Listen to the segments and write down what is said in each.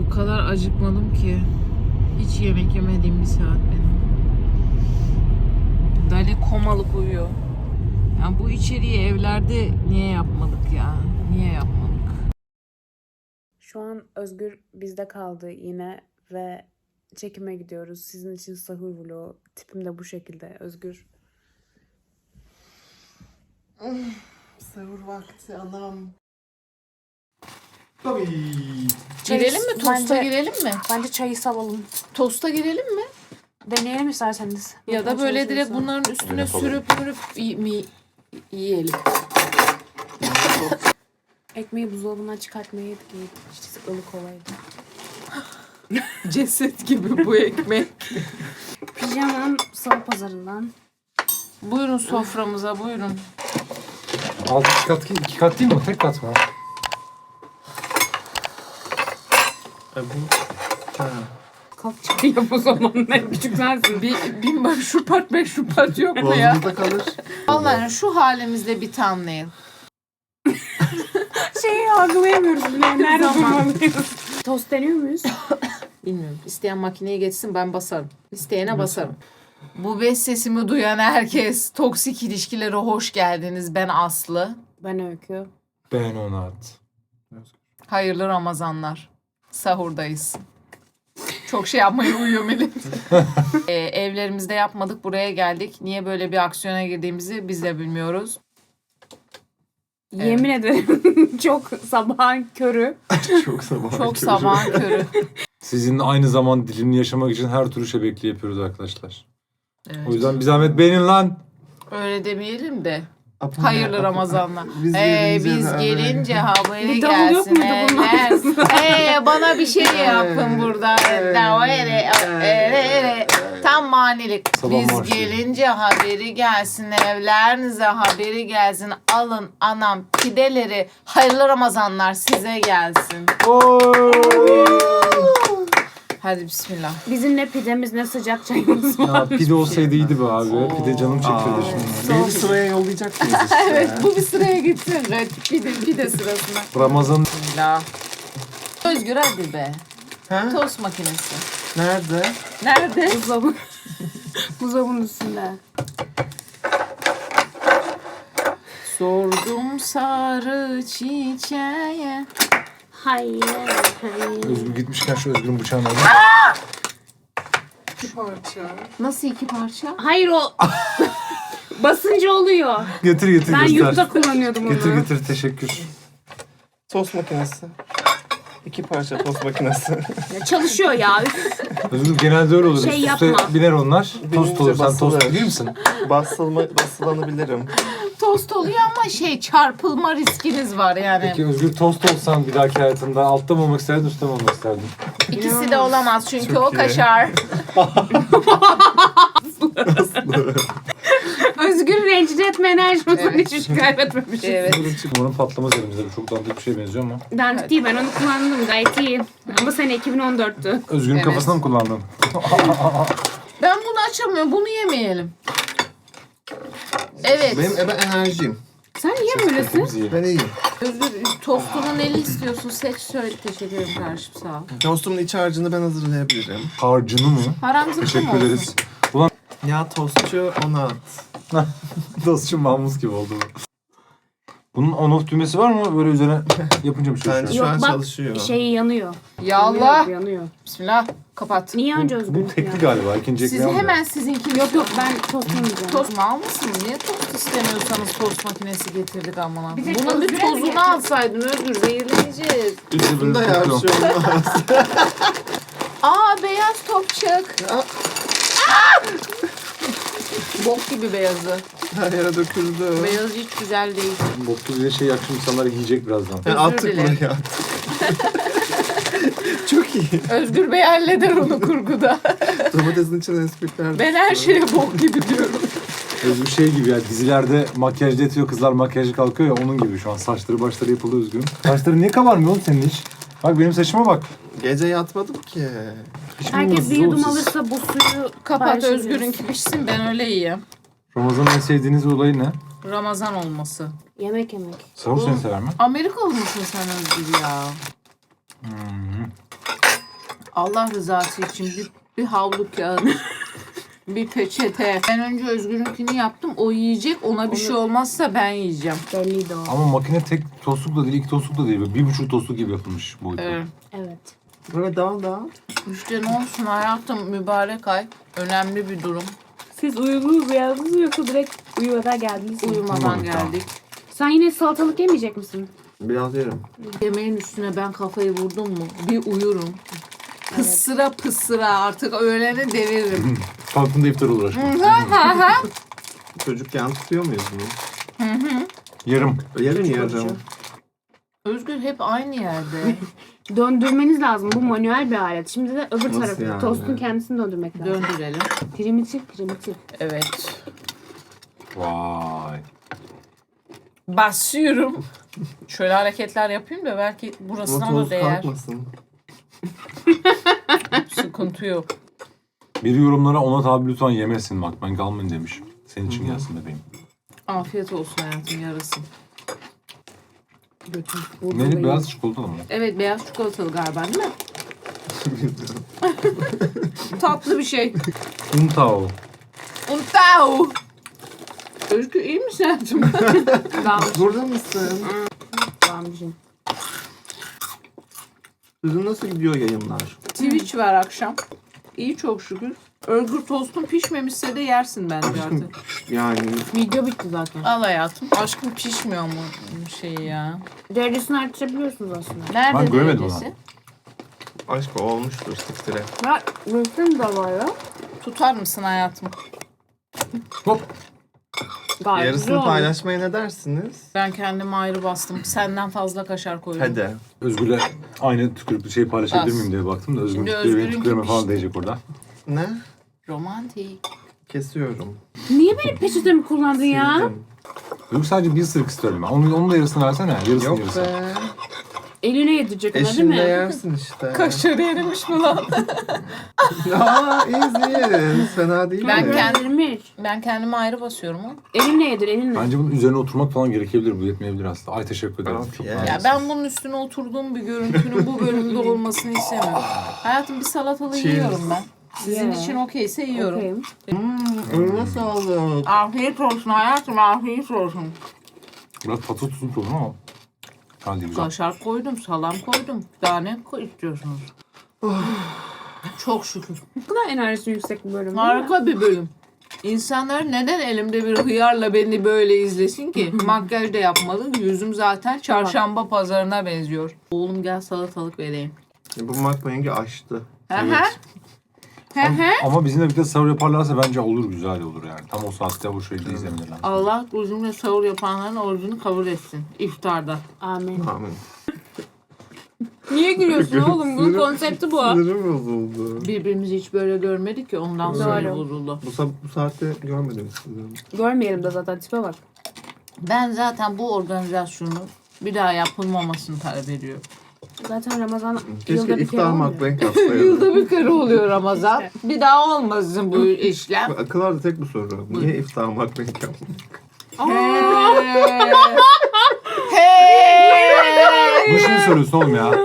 O kadar acıkmadım ki. Hiç yemek yemediğim bir saat benim. Dali komalık uyuyor. Yani bu içeriği evlerde niye yapmadık ya? Niye yapmadık? Şu an Özgür bizde kaldı yine ve çekime gidiyoruz. Sizin için sahur vlogu. Tipim de bu şekilde. Özgür. Sahur vakti anam. Tabii. Girelim mi? Tosta girelim mi? Bence çayı salalım. Tosta girelim mi? Deneyelim isterseniz. Ya da böyle direkt bunların üstüne Öyle sürüp yiyelim. Ekmeği buzdolabından çıkartmayı yedik. İşte ılık olaydı. Ceset gibi bu ekmek. Pijamam salı pazarından. Buyurun soframıza, buyurun. Alt iki kat değil mi? Tek kat mı? Bu. Ha. Kalk çay yap o zaman. Ne küçük sensin. Bin bak şu part yok mu ya? Boğazımızda kalır. Vallahi şu halimizde bir thumbnail. Şeyi algılayamıyoruz bile. Nerede Zaman. durmalıyız? Tost deniyor muyuz? Bilmiyorum. İsteyen makineye geçsin ben basarım. İsteyene basarım. Bu beş sesimi duyan herkes toksik ilişkilere hoş geldiniz. Ben Aslı. Ben Öykü. Ben Onat. Hayırlı Ramazanlar. Sahurdayız. Çok şey yapmaya uyuyor Melih. Evlerimizde yapmadık. Buraya geldik. Niye böyle bir aksiyona girdiğimizi biz de bilmiyoruz. Yemin ederim çok sabahın körü. Çok sabah. Çok sabahın körü. Sizin aynı zaman dilimini yaşamak için her türlü şebekli yapıyoruz arkadaşlar. Evet. O yüzden bir zahmet beğenin lan. Öyle demeyelim de. Apo Hayırlı ne? Ramazanlar. Biz Biz gelince haberi Bir davul yok gelsin. muydu bunun Bana bir şey yapın burada. Tam manilik. Sabah Biz marşı. gelince haberi gelsin. Evlerinize haberi gelsin. Alın anam pideleri. Hayırlı Ramazanlar size gelsin. Hadi bismillah. Bizim ne pidemiz ne sıcak çayımız var. Ya pide olsaydı iyiydi be abi. Pide canım çektirdi şimdi. Beni bir sıraya yollayacak mıyız işte? Evet bu bir sıraya gitsin. Evet, pide sırasına. Ramazan Bismillah. Özgür hadi be. Ha? Tost makinesi. Nerede? Nerede? Buzdolabının üstünde. Sordum sarı çiçeğe. Hayır, hayır. Özgür gitmişken şu Özgür'ün bıçağını alayım. Nasıl iki parça? Hayır o basınca oluyor. Getir Ben göster. yurtta kullanıyordum onu. Getir teşekkür. Tost makinesi. 2 parça tost makinesi. Ya çalışıyor ya. Üf. Özgür genelde öyle olur. Şey Üst üste yapma. biner onlar. Tost olur. Sen basılır. tost bilir misin? Basılanabilirim. Tost oluyor ama çarpılma riskiniz var yani. Peki Özgür tost olsan bir dahaki hayatında altta mı olmak isterdin, üstte mi olmak isterdin? İkisi de olamaz çünkü Çok o iyi. kaşar. Özgür rencide etme enerjimizden hiç kaybetmemişiz. Evet. Umarım patlamaz elimizde. Bu çok dandik bir şeye benziyor ama. Dandik değil, ben onu kullandım gayet iyi. Ama sene 2014'tü. Özgür'ün Evet. kafasına mı kullandın? Ben bunu açamıyorum. Bunu yemeyelim. Evet. Benim ebe enerjim. Sen niye böylesin? Biz yiyelim. Ben iyiyim. Özgür tostunun neli istiyorsun? Seç söyle. Teşekkür ederim kardeşim sağ ol. Tostumun iç harcını ben hazırlayabilirim. Harcını mı? Param zıkkım Teşekkür olsun. ederiz. Ya tostçu Onat. Dostçum Mahmuz gibi oldu bu. Bunun on-off düğmesi var mı? Böyle üzerine yapınca bir şey Bence düşüyor. şu an Yok, bak, çalışıyor. Şey yanıyor. Ya Allah. Yanıyor. Bismillah. Kapat. Niye önce Özgür? Bu tekli galiba. İkinci Siz ekmeği hemen sizinkini Yok yok, ben tost yemeyeceğim. Tost mu almışsınız? Niye tost istemiyorsanız tost makinesi getirdik amına. Bir tek Bunun bir Özgür'e mi tozunu getirdin? alsaydın Özgür zehirleneceğiz. Bunda ya bir şey olmaz. Aa beyaz topçuk. Ya. Bok gibi beyazı. Her yere döküldü. Beyazı hiç güzel değil. Boklu bir şey yakışım insanlar yiyecek birazdan. Yani Özür attık dilerim. buraya. Çok iyi. Özgür Bey halleder onu kurguda. Domatesin içine esprikler. Ben her şeye bok gibi diyorum. Özgür şey gibi ya, dizilerde makyajda yatıyor kızlar, makyajı kalkıyor ya, onun gibi şu an. Saçları başları yapıldı Özgür'ün. Saçları niye kabarmıyor oğlum senin hiç? Bak benim saçıma bak. Gece yatmadım ki. Hiç Herkes bilmiyorsunuz bir oğlum yudum siz. alırsa bu suyu Kapat paylaşırız. Özgür'ünki pişsin ben öyle yiyeyim. Ramazan'ın en sevdiğiniz olayı ne? Ramazan olması. Yemek yemek. Sahur seni sever mi? Amerikalı mısın sen Özgür ya? Allah rızası için bir havlu kağıdı. Bir peçete. Ben önce Özgür'ünkini yaptım. O yiyecek. Ona bir şey olmazsa ben yiyeceğim. Belliydi o. Ama makine tek tostluk da değil, 2 tostluk da değil. Böyle 1,5 tostluk gibi yapılmış boyutu. Evet. Evet. Böyle daha. İşte ne olsun hayatım, mübarek ay. Önemli bir durum. Siz uyudunuz mu yalnız yoksa direkt uyumadan geldiniz mi? Uyumadan Uyumadık daha. geldik. Sen yine salatalık yemeyecek misin? Biraz yerim. Yemeğin üstüne ben kafayı vurdum mu bir uyurum. Pısıra pısıra artık öğlene deviririm. Kalktığında iftar olur aşkım. Çocukken tutuyor muyuz bunu? Yarım. Yarım. Özgür hep aynı yerde. Döndürmeniz lazım. Bu manuel bir alet. Şimdi de öbür Nasıl tarafı. yani? Tostun kendisini döndürmek lazım. Döndürelim. Primitif. Evet. Vay. Basıyorum. Şöyle hareketler yapayım da belki Ama burasına da toz değer. kalkmasın. Sıkıntı yok. Biri yorumlara Onat abi lütfen yemesin bak ben kalmayın demiş. Senin için gelsin bebeğim. Afiyet olsun hayatım, yarasın. Neydi beyaz çikolatalı mı? Evet, beyaz çikolatalı galiba değil mi? Tatlı bir şey. Untao. Untao. Özgür iyi misin hayatım? Burada mısın? Gamcım. Sizin nasıl gidiyor yayınlar? Twitch var akşam. İyi çok şükür. Özgür tostun pişmemişse de yersin bence artık. Yani Video bitti zaten. Al hayatım. Aşkım pişmiyor mu şey ya? Derecesini artırabiliyorsunuz aslında. Nerede Ben göremedim derecesi? aşk olmuştur siktire. Ya resim de var ya. Tutar mısın hayatım? Hop. Gayet güzel Yarısını olmuş. paylaşmaya ne dersiniz? Ben kendime ayrı bastım. Senden fazla kaşar koydum. Hadi. Özgür'le aynı tükürüklü şeyi paylaşabilir Az. miyim diye baktım da Özgür'ün Şimdi tükürüğü benim Özgür'ünki tükürüğüme falan pişti. değecek orada. Ne? Romantik. Kesiyorum. Niye benim peçetemi kullandın ya? Sildim. Özgür sadece bir ısırık istiyorum ben. Onun da yarısını versene. Yarısını Yok yarısını. be. Eline yedirecek ona değil Eşinle mi? yersin işte. Kaşarı erimiş mi lan? Aa easy. Fena değil Ben mi? Kendirmiş. Ben kendime ayrı basıyorum ha. Elinle yedir elinle. Bence bunun üzerine oturmak falan gerekebilir. Bu yetmeyebilir aslında. Ay teşekkür ederim. Afiyet. Çok Ya Ya nazik. ben bunun üstüne oturduğum bir görüntünün bu bölümde olmasını istemiyorum. Hayatım bir salatalı Cheers. yiyorum ben. Sizin Yeah. için okeyse yiyorum. Okeyim. Eline sağlık. Afiyet olsun hayatım, afiyet olsun. Biraz tatlı tuzlu olur ama. Hadi güzel. Kaşar koydum, salam koydum. Daha ne istiyorsunuz? Çok şükür. Bu kadar enerjisi yüksek bir bölüm değil mi? Harika bir bölüm. İnsanlar neden elimde bir hıyarla beni böyle izlesin ki? Makyaj da yapmadım. Yüzüm zaten çarşamba pazarına benziyor. Oğlum gel salatalık vereyim. Bu makmayıngi açtı. Hı hı. Hı hı. Ama bizimle birlikte sahur yaparlarsa bence olur, güzel olur yani. Tam o saatte bu şekilde izlemeleri. Allah bizimle sahur yapanların orucunu kabul etsin iftarda. Amin. Amin. Niye gülüyorsun oğlum? Bunun konsepti bu. Sinirim bozuldu. Birbirimizi hiç böyle görmedik ki ondan sonra Doğru. bozuldu. Bu saatte görmedim sizi. Görmeyelim de zaten tipe bak. Ben zaten bu organizasyonu bir daha yapılmamasını talep ediyorum. Zaten Ramazan Keşke yılda bir kere iftar olmuyor. makmayı kapsayalım. Yılda bir kere oluyor Ramazan. Bir daha olmasın bu işlem. Akıllarda tek bu soru. Niye iftar makmayı yapmadık? Hey! Bu şimdi söylüyorsun oğlum ya.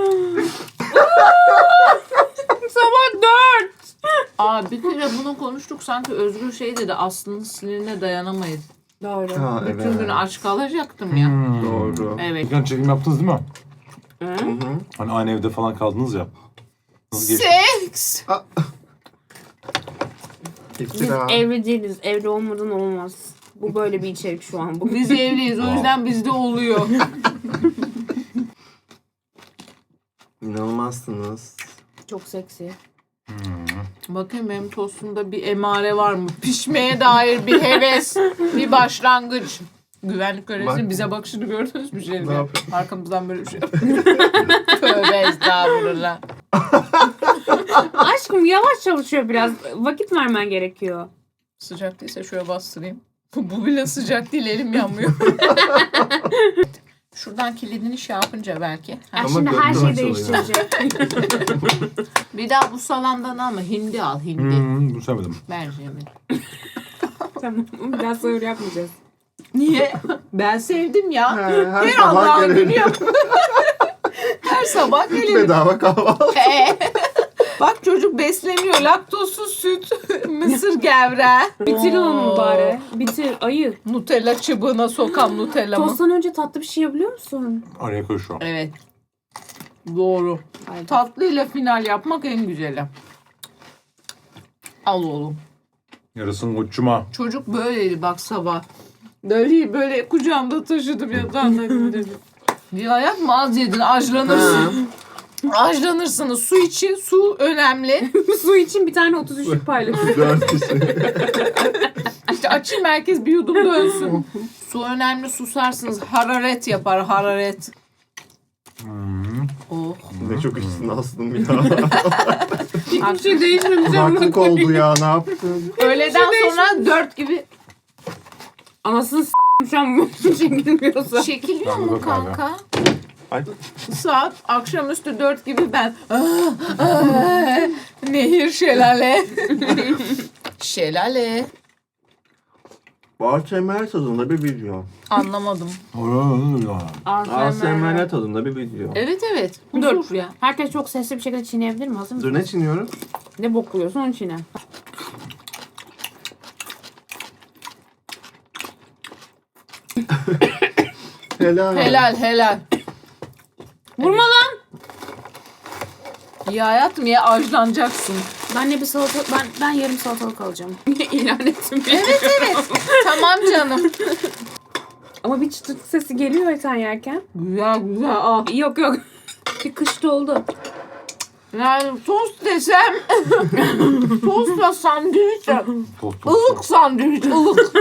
Sabah 4. Aa bir kere bunu konuştuk sanki Özgür şey dedi Aslı'nın sinirine dayanamayız. Doğru. Ha Bütün evet. gün aç kalacaktım ya. Doğru. Evet. Bugün çekim yaptınız değil mi? Hı? Hı hı. Hani aynı evde falan kaldınız ya. Nasıl geçti? Seks. Biz İftira. evli değiliz. Evli olmadan olmaz. Bu böyle bir içerik şu an. Bu. Biz evliyiz o yüzden bizde oluyor. İnanılmazsınız. Çok seksi. Bakayım benim tostumda bir emare var mı? Pişmeye dair bir heves, bir başlangıç. Güvenlik görevlisinin Bak. bize bakışını gördünüz mü Ne şeyde? yapıyor? Arkamızdan böyle bir şey yapıyor. Tövbe estağfurullah. Aşkım yavaş çalışıyor biraz. Vakit vermen gerekiyor. Sıcak değilse şöyle bastırayım. Bu bile sıcak değil, elim yanmıyor. Şuradan kilidini şey yapınca belki. Ha. Ama Şimdi her gökten şeyi açılıyor. değiştirecek. Bir daha bu salamdan alma. Hindi al, hindi. Bunu sevmedim. Mercimek. Tamam. Bir daha sahur yapmayacağız. Niye? Ben sevdim ya. Her Her sabah Allah'ın günü gelelim. yap. Her sabah gelirim. Bedava kahvaltı. Bak çocuk besleniyor. Laktozsuz süt, mısır gevreği. Bitir onu bari. Bitir ayı. Nutella çubuğuna sokan Nutella mı? Tosttan önce tatlı bir şey yapabiliyor musun? Araya koy şu an. Evet. Doğru. Haydi. Tatlıyla final yapmak en güzeli. Al oğlum. Yarısını koçuma. Çocuk böyleydi bak sabah. Böyle kucağımda taşıdım yatağına gönderdim. Ya yapma az yedin ajlanırsın. Ajlanırsınız. Su için su önemli. Su için bir tane 33'lük paylaşıyor. 4 kişi. İşte açayım herkes bir yudum dönsün. Su önemli susarsınız. Hararet yapar hararet. Oh. Ne çok içsin aslında ya. Hiçbir şey değişmemiş ama. Kulaklık oldu ya ne yaptın? Öğleden sonra 4 gibi Anasını s***im şu an bu çekilmiyorsa. çekiliyor Tamam, mu bak abi. kanka? Ay. Saat akşamüstü 4 gibi ben nehir şelale. Şelale. ASMR tadında bir video. Anlamadım. ASMR tadında bir video. Evet evet. Dur. Huzur ya. Herkes çok sesli bir şekilde çiğneyebilir mi? Hazır mısın? Dur ne çiğniyorum? Ne bokluyorsun onu çiğne. Helal. Helal helal. Vurma lan! Ya hayatım ya ajlanacaksın. Ben ne bir salata... Ben yarım salatalık alacağım. İlan ettim. Evet evet. Tamam canım. Ama bir çıtırtı sesi geliyor ya sen yerken. Güzel güzel. Ah. Yok yok. Bir kışta oldu. Yani tost desem tostla sandviç. Ilık sandviç ılık.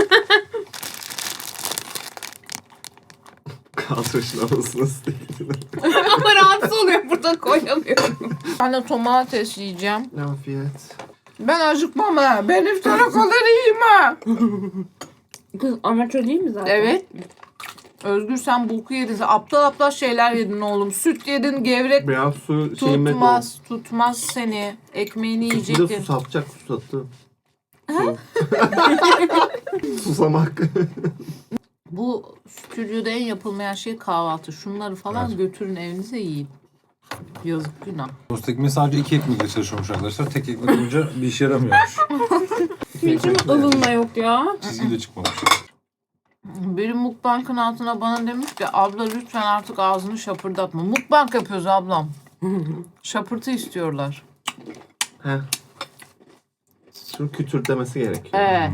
Kaltırsın anasını s***. Ama rahatsız oluyor burada koyamıyorum. Ben de domates yiyeceğim. Afiyet. Ben acıkmam ha. Ben iftara kadar yiyeyim ha. Kız amatör değil mi zaten? Evet. Özgür sen bulku yedin. Sen aptal aptal şeyler yedin oğlum. Süt yedin, gevrek Biraz su şeyime tutmaz seni. Ekmeğini Bir de yiyecektin. su sapacak su sattı. Su. Susamak. Bu stüdyoda en yapılmayan şey kahvaltı. Şunları falan Evet. götürün evinize yiyin. Yazık günah. Tost ekmeği sadece 2 ekmekle çalışıyormuş arkadaşlar. Tek ekmek olunca bir işe yaramıyormuş. Hiç mi ılınma yok ya? Çizgi de çıkmamış. Biri mukbankın altına bana demiş ki abla lütfen artık ağzını şapırdatma. Mukbank yapıyoruz ablam. Şapırtı istiyorlar. Heh. Şunu kütürtlemesi gerekiyor. Evet.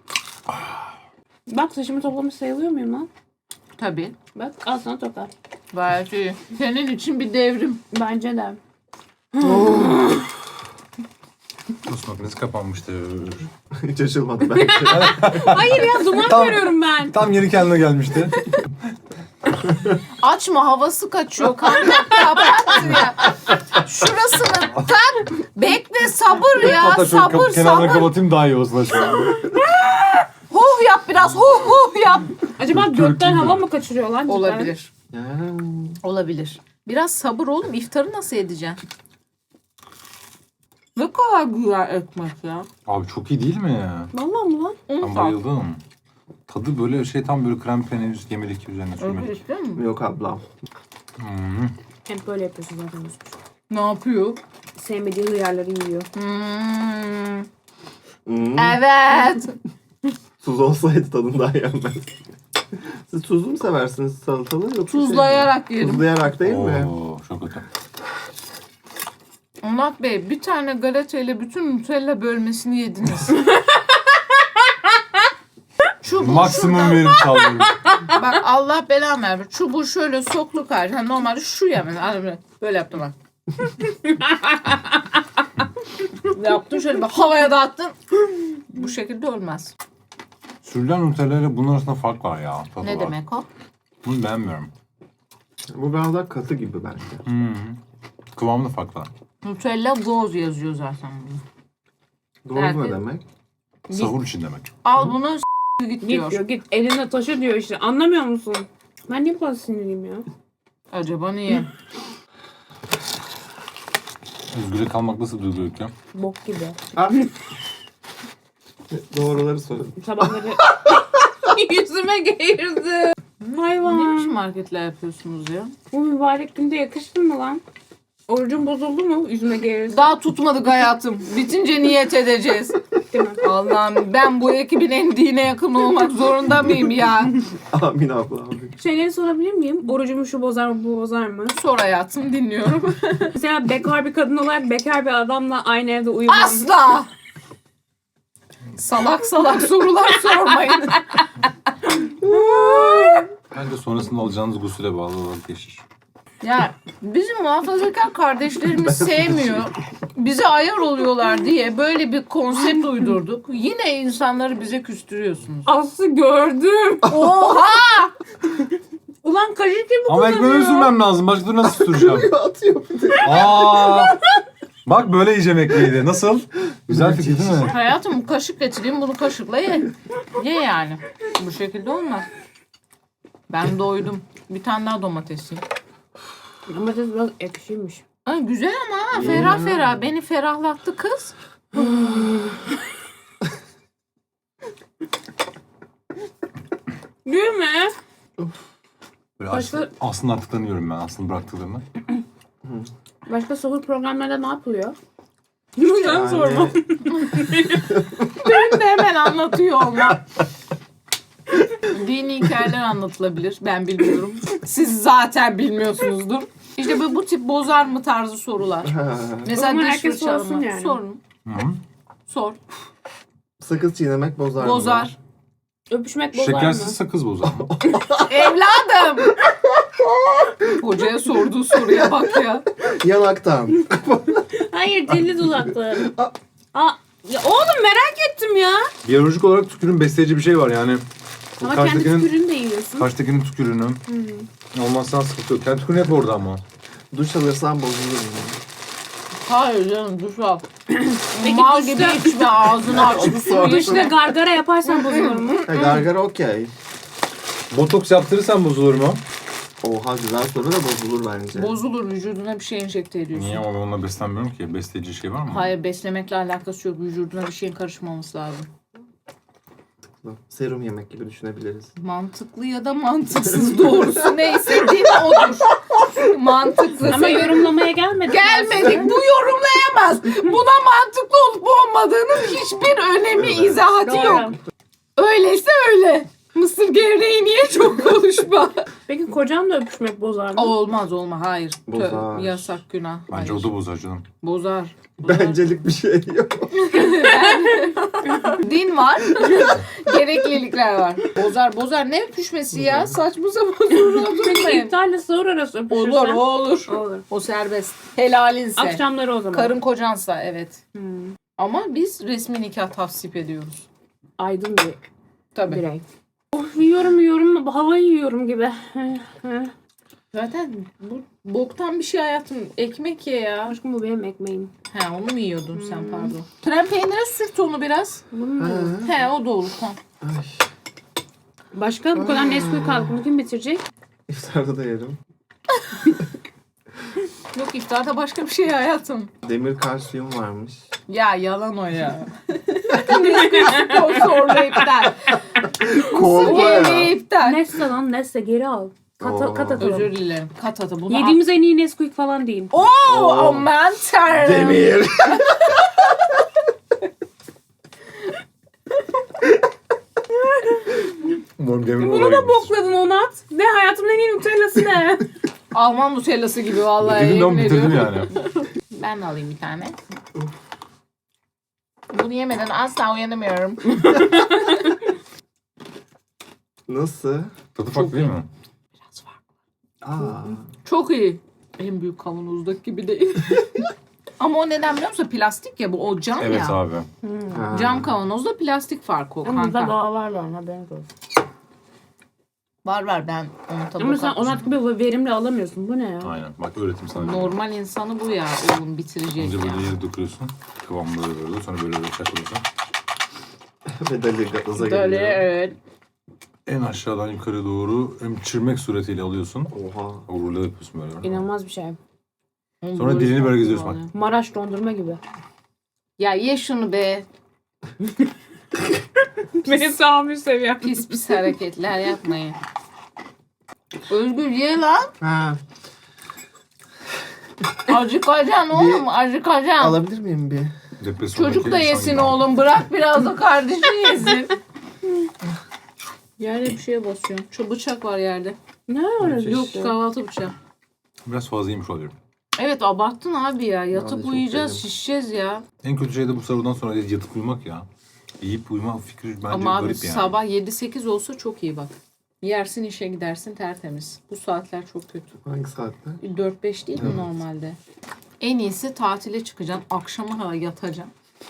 Bak saçımı toplamış sayılıyor muyum lan? Tabii. Bak al sana toka. Gayet iyi. Senin için bir devrim. Bence de. Tost makinesi kapanmıştır. Hiç açılmadı belki. Hayır ya duman Tamam. görüyorum ben. Tam yeri kendine gelmişti. Açma havası kaçıyor kanka. Kapat ya. Şurasını tak. Bekle sabır ya. Hatta şöyle Sabır kenarına sabır. kapatayım daha iyi olsun aşkım. Huh yap biraz. Huh yap. Acaba gökten hava mı kaçırıyor lan? cidden? Olabilir. Ya. Olabilir. Biraz sabır oğlum. İftarı nasıl edeceksin? Ne kadar güzel ekmek ya. Abi çok iyi değil mi ya? Vallahi mı lan? Ben bayıldım. Tadı böyle tam böyle krem peynir yemelik üzerine Öyle sürmelik. istiyor musun? Yok ablam. Hep böyle yapıyorsun zaten. Ne yapıyor? Sevmediği hıyarları yiyor. Evet. Tuz olsaydı tadını daha yenmez. Siz tuzlu mu seversiniz salatalı yoksa Tuzlayarak şey, yerim. Tuzlayarak değil mi? Oo, çok kötü. Onat Bey bir tane galeta ile bütün Nutella bölmesini yediniz. Çubuğu Maksimum şuradan- verim sağlıyorum. Bak Allah belamı versin. Çubuğu şöyle soklu karşı. Yani normalde şu yemen. Hani böyle yaptım bak. Yaptın şöyle bak havaya dağıttın. Bu şekilde olmaz. Sürülen Nutella ile bunun arasında fark var ya. Tadı Ne var. demek o? Bunu beğenmiyorum. Bu biraz daha katı gibi bence. Kıvamı da farklı. Nutella Goz yazıyor zaten bunu. Doğru Evet. ne demek? Sahur için demek. Al bunu git Git diyor. diyor git eline taşı diyor işte anlamıyor musun? Ben niye bu kadar sinirliyim ya? Acaba niye? Özgür'e kalmak nasıl duygu Öykü? Bok gibi. Ah. Doğruları söyledim. Sabahları yüzüme geğirdi. Ne Hayvan. biçim hareketler yapıyorsunuz ya? Bu mübarek günde yakıştı mı lan? Orucun bozuldu mu? Yüzüme gelirse. Daha tutmadık hayatım. Bitince niyet edeceğiz. Değil mi? Allah'ım ben bu ekibin en dine yakın olmak zorunda mıyım ya? Amin abla amin. Şeyleri sorabilir miyim? Orucumu şu bozar mı, bu bozar mı? Sor hayatım dinliyorum. Mesela bekar bir kadın olarak bekar bir adamla aynı evde uyumam. Asla! Salak salak sorular sormayın. Bence sonrasında alacağınız gusüle bağlı olarak değişir. Ya bizim muhafazakar kardeşlerimiz sevmiyor. Bize ayar oluyorlar diye böyle bir konsept uydurduk. Yine insanları bize küstürüyorsunuz. Aslı gördüm. Oha! Ulan kaşık gibi Ama ekmeğimi sürmem lazım. Başka türlü nasıl süreceğim? Atıyor bir de. Aa! Bak böyle yiyeceğim ekmeği de. Nasıl? Güzel fikir değil mi? Hayatım kaşık getireyim bunu kaşıkla ye. Ye yani. Bu şekilde olmaz. Ben doydum. Bir tane daha domates yiyeyim. Domates biraz ekşiymiş. Ay, güzel ama ha, ferah ferah. Beni ferahlattı kız. Değil mi? Böyle Başka- aslında artıklarını yiyorum ben. Aslında bıraktıklarını. Başka sahur programlarda ne yapılıyor? Lütfen Yani sorma. Ben de hemen anlatıyor olmam. Dini hikayeler anlatılabilir. Ben bilmiyorum. Siz zaten bilmiyorsunuzdur. İşte bu tip bozar mı tarzı sorular. Mesela O zaman diş herkes fırçalama. sorsun yani. Sorun. Hı-hı. Sor. sakız çiğnemek bozar mı? Bozar. Öpüşmek bozar mı? Şekersiz sakız bozar mı? Evladım. Hocaya sorduğu soruya bak ya. Yanaktan. Hayır, dilli dudaklı. Aa, ya oğlum merak ettim ya. Biyolojik olarak tükürüğün besleyici bir şey var yani. Ama kendi tükürüğünü de yiyorsun. Karşıdakinin tükürüğünü. Olmazsa sıkıntı yok. Kendi tükürüğünü hep orada ama. Duş alırsan bozulur mu? Hayır canım duş al. Peki Mal duşta- gibi içme ağzını aç. Onu sor. İşte gargara yaparsan bozulur mu? Ha, gargara okey. Botoks yaptırırsan bozulur mu? Oha güzel soru da bozulur bence. Bozulur vücuduna bir şey enjekte ediyorsun. Niye ama ben onunla beslenmiyorum ki. Besleyici şey var mı? Hayır beslemekle alakası yok. Vücuduna bir şeyin karışmaması lazım. Serum yemek gibi düşünebiliriz. Mantıklı ya da mantıksız doğrusu neyse din odur. Mantıklı. Ama yorumlamaya gelmedik. Gelmedik. Bu yorumlayamaz. Buna mantıklı olup olmadığının hiçbir önemi, izahatı yok. Doğru. Öyleyse öyle. Mısır gevreği niye çok konuşma? Peki kocanla öpüşmek bozar mı? Olmaz hayır. Bozar. Yasak günah. Bence Hayır. o da bozar canım. Bozar. Bencelik bir şey yok. Din var. Gereklilikler var. Bozar. Ne öpüşmesi ya? Saçma sapan sorular Peki sormayın. iptalle sahur arası öpüşürsen? Olur o olur. Olur. O serbest. Helalinse. Akşamları o zaman. Karın kocansa evet. Hmm. Ama biz resmi nikah tavsip ediyoruz. Aydın bir Tabii. birey. Of yiyorum havayı yiyorum gibi. Zaten bu boktan bir şey hayatım. Ekmek ye ya. Aşkım bu benim ekmeğim. He onu mu yiyordun sen pardon. Krem peynire sürt onu biraz. Bunu mu? He o da olur. Tamam. Ay, Başka bu kadar Nesquik kaldı. Bunu kim bitirecek? iftarda da yerim. Yok iftarda başka bir şey hayatım. Demir kalsiyum varmış. Ya yalan o ya. Sponsorlu iptal. Kolpa Yemeği ya. iptal. Nesle lan Nesle geri al. Oo. Kat atalım. Özür dilerim. Kat atı. Bunu Yediğimiz en iyi Nesquik falan değil. Oo, aman tanrım. Demir. Umarım demir Bunu da bokladın Onat. Ne hayatımın en iyi Nutella'sı ne? Alman nutellası gibi vallahi. Bitirdim yemin ben bitirdim ediyorum. yani. Ben de alayım bir tane. Bunu yemeden asla uyanamıyorum. Nasıl? Tadı farklı değil mi? Biraz var. Aa. Çok iyi. En büyük kavanozdaki gibi değil. Ama o neden biliyor musun? Plastik ya bu. O cam Evet ya. abi. Ha. Cam kavanozda plastik farkı o Ama burada kanka. daha var lan haberiniz olsun. Var ben onun tadı Ama sen katmışım. Onat gibi verimli alamıyorsun. Bu ne ya? Aynen. Bak öğretim sana. Normal insanı bu ya. Oğlum bitirecek Önce ya. böyle yere dökülüyorsun. Kıvam böyle sonra böyle çakılıyorsun. Ve deli gaza Böyle geliyor. evet. En aşağıdan yukarı doğru emçirmek suretiyle alıyorsun. Oha. Uğurla yapıyorsun böyle. İnanılmaz bir şey. Sonra dilini böyle geziyorsun bak. Maraş dondurma gibi. Ya ye şunu be. Benim tahammül seviyem. Pis pis hareketler yapmayın. Özgür ye lan. Ha. Acıkacaksın oğlum, acıkacaksın. Alabilir miyim bir? Depresyondaki Çocuk da insan yesin gibi. oğlum. Bırak biraz da kardeşin yesin. Yerde bir şeye basıyorum. Şu bıçak var yerde. Ne öyle? Yok kahvaltı bıçağı. Biraz fazla yemiş oluyor. Evet abarttın abi ya. Ben de Yatıp çok uyuyacağız, sevdim. şişeceğiz ya. En kötü şey de bu sahurdan sonra yatıp uyumak ya. Yiyip uyuma fikri bence Ama abi garip yani. sabah 7-8 olsa çok iyi bak. Yersin işe gidersin tertemiz. Bu saatler çok kötü. Hangi saatte? 4-5 değil mi normalde? En iyisi tatile çıkacaksın. Akşama kadar yatacaksın.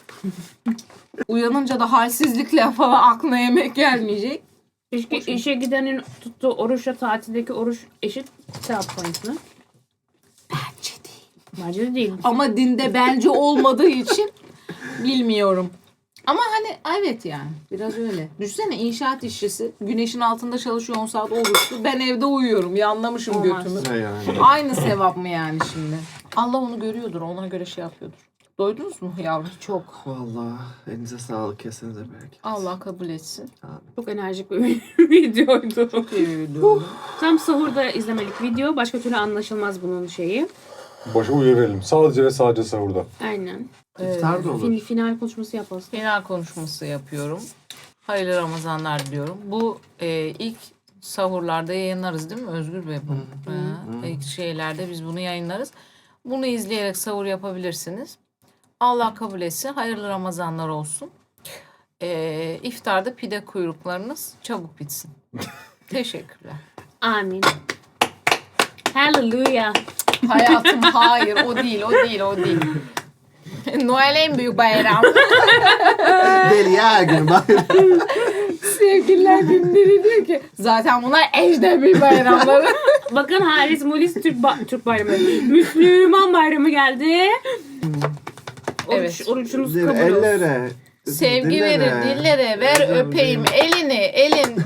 Uyanınca da halsizlikle falan aklına yemek gelmeyecek. İşe gidenin tuttuğu oruçla tatildeki oruç eşit sevap point mu? Bence değil. Bence de değil. Ama dinde bence olmadığı için bilmiyorum. Ama hani evet yani biraz öyle. Düşünsene inşaat işçisi güneşin altında çalışıyor 10 saat oruçlu. Ben evde uyuyorum. Yanlamışım Olmaz. götümü. Ne yani? Aynı sevap mı yani şimdi? Allah onu görüyordur. Ona göre şey yapıyordur. Doydunuz mu yavrum? Çok. Vallahi elinize sağlık, kesinize bereket. Allah kabul etsin. Çok enerjik bir videoydu. Çok iyi bir video. Tam sahurda izlemelik video. Başka türlü anlaşılmaz bunun şeyi. Başa uyaralım. Sadece ve sadece sahurda. Aynen. İftar da olur. Final konuşması yapalım. Final konuşması yapıyorum. Hayırlı Ramazanlar diliyorum. Bu ilk sahurlarda yayınlarız değil mi Özgür Bey? İlk şeylerde biz bunu yayınlarız. Bunu izleyerek sahur yapabilirsiniz. Allah kabul etsin. Hayırlı Ramazanlar olsun. İftarda pide kuyruklarınız çabuk bitsin. Teşekkürler. Amin. Hallelujah. Hayatım hayır o değil o değil o değil. Noel en büyük bayram. Deli her gün bayram. Sevgililer günleri diyor ki zaten bunlar ecnebi bayramları. Bakın Haris Mulis Türk bayramı. Müslüman bayramı geldi. Evet. Oruçunuz Dil- kabul olsun. ellere. Sevgi dillere. verir dillere ver Öpeyim. öpeyim elini elin.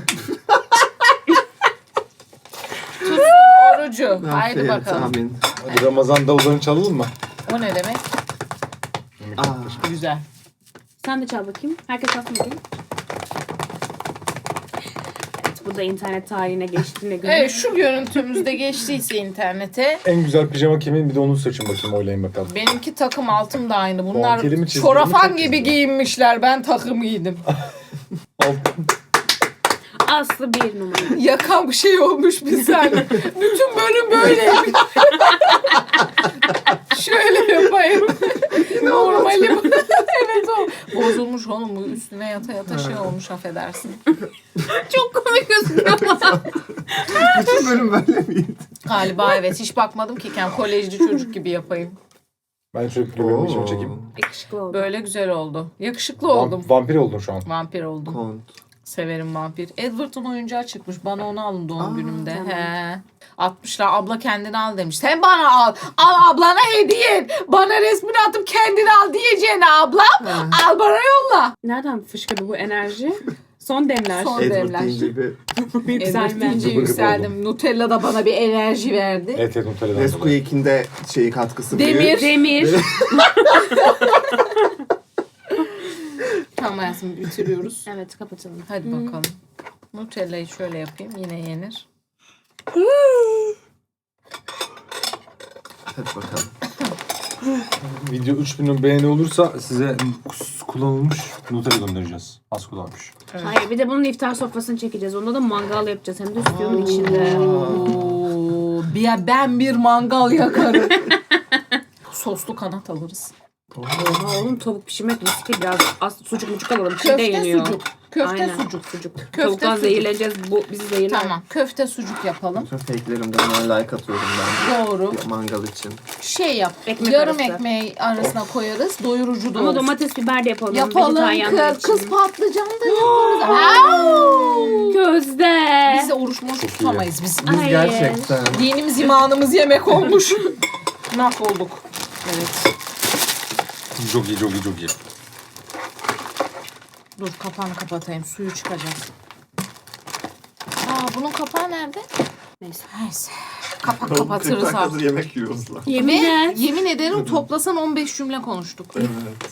Tutsun orucu. Haydi Afiyet, bakalım. Amin. Hadi Ramazan davullarını çalalım mı? O ne demek? Güzel. Sen de çal bakayım. Herkes çalsın bakayım. Evet, bu da internet tarihine geçtiğine göre. Evet şu görüntümüzde geçtiyse internete. En güzel pijama kimin? Bir de onu seçin bakayım, oylayın bakalım. Benimki takım altım da aynı. Bunlar Puantiyeli mi, çizgili mi, çorafan çok gibi güzel. giyinmişler. Ben takım giydim. Aslı bir numara. Yakan bir şey olmuş bir saniye. Bütün bölüm böyleymiş. Şöyle yapayım. Normali bu. Evet o. Bozulmuş oğlum bu üstüne yata yata şey olmuş affedersin. Çok komik gözüküyor ama. Bütün bölüm böyle miydi? Galiba evet hiç bakmadım ki kolejci çocuk gibi yapayım. Ben şöyle bir pijama çekeyim. Yakışıklı oldu. Böyle güzel oldu. Yakışıklı oldum. Vampir oldun şu an. Vampir oldum. Kont. Severim vampir. Edward'ın oyuncağı çıkmış. Bana onu alın doğum günümde. tamam. He. 60'lar abla kendini al demiş. Sen bana al. Al ablana hediye et. Bana resmini atıp kendini al diyeceğine ablam. Al bana yolla. Nereden fışkırdı bu enerji? Son demler. Son- Edward devler. deyince bir Edward Yükselme. deyince Gıbır gıbır yükseldim. Nutella da bana bir enerji verdi. Evet Nutella'dan dolayı. Nesquik'inde şeyi katkısı Demir. büyük. Demir. Tamam hayatım bitiriyoruz. Evet kapatalım. Hadi bakalım. Nutella'yı şöyle yapayım. Yine yenir. Hadi bakalım. Video 3000 beğeni olursa size kullanılmış Nutella göndereceğiz. Az kullanmış. Hayır bir de bunun iftar sofrasını çekeceğiz. Onda da mangal yapacağız. Hem de stüdyonun içinde. Oo, ben bir mangal yakarım. Soslu kanat alırız. Oha oğlum tavuk pişirmek riskli biraz. Sucuk mucuk alalım. Çin'de Köfte yeniyor. sucuk. Köfte Aynen. sucuk. Sucuk. Köfte Tavuktan sucuk. zehirleneceğiz. Bu bizi zehirler. Tamam. Köfte sucuk yapalım. Bütün fake'lerimden ona like atıyorum ben. Doğru. Mangal için. Şey yap. Ekmek yarım arası. ekmeği arasına koyarız. Doyurucu da Ama olsun. domates biber de yapalım. Yapalım. Vejetaryenler için. Kız patlıcan da yaparız. Au! Közde. Biz de oruç moruç Çok iyi. tutamayız biz. Biz Hayır. gerçekten Dinimiz imanımız yemek olmuş. Mahvolduk. Evet. Çok iyi, çok iyi, çok iyi. Dur kapağını kapatayım. Suyu çıkacak. Bunun kapağı nerede? Neyse. Neyse. Kapak kapatırız artık. yemek yiyoruz lan. Yemin Ve et. yemin ederim toplasan 15 cümle konuştuk. Evet.